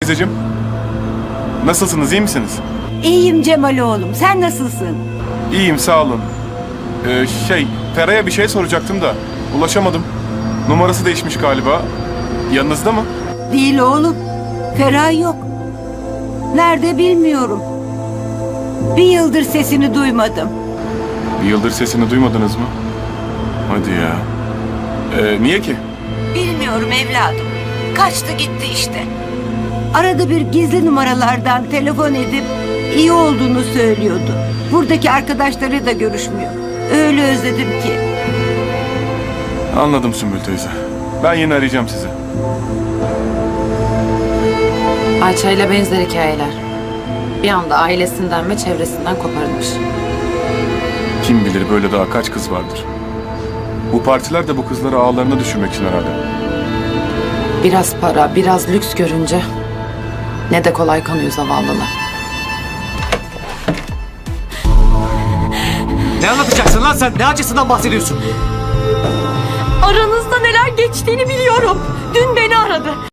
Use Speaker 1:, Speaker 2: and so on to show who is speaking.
Speaker 1: Teyzeciğim. Nasılsınız, iyi misiniz?
Speaker 2: İyiyim Cemal oğlum. Sen nasılsın?
Speaker 1: İyiyim, sağ olun. Feray'a bir şey soracaktım da ulaşamadım. Numarası değişmiş galiba. Yanınızda mı?
Speaker 2: Değil oğlum. Ferah yok. Nerede bilmiyorum. Bir yıldır sesini duymadım.
Speaker 1: Bir yıldır sesini duymadınız mı? Hadi ya. Niye ki?
Speaker 2: Bilmiyorum evladım. Kaçtı gitti işte. Arada bir gizli numaralardan telefon edip iyi olduğunu söylüyordu. Buradaki arkadaşları da görüşmüyor. Öyle özledim ki.
Speaker 1: Anladım Sümbül teyze. Ben yine arayacağım sizi.
Speaker 3: Ayça ile benzer hikayeler. Bir anda ailesinden ve çevresinden koparılmış.
Speaker 1: Kim bilir böyle daha kaç kız vardır. Bu partiler de bu kızları ağlarına düşürmek için herhalde.
Speaker 3: Biraz para, biraz lüks görünce ne de kolay kanıyor zavallılar.
Speaker 4: Ne anlatacaksın lan sen? Ne acısından bahsediyorsun?
Speaker 5: Aranızda neler geçtiğini biliyorum. Dün beni aradı.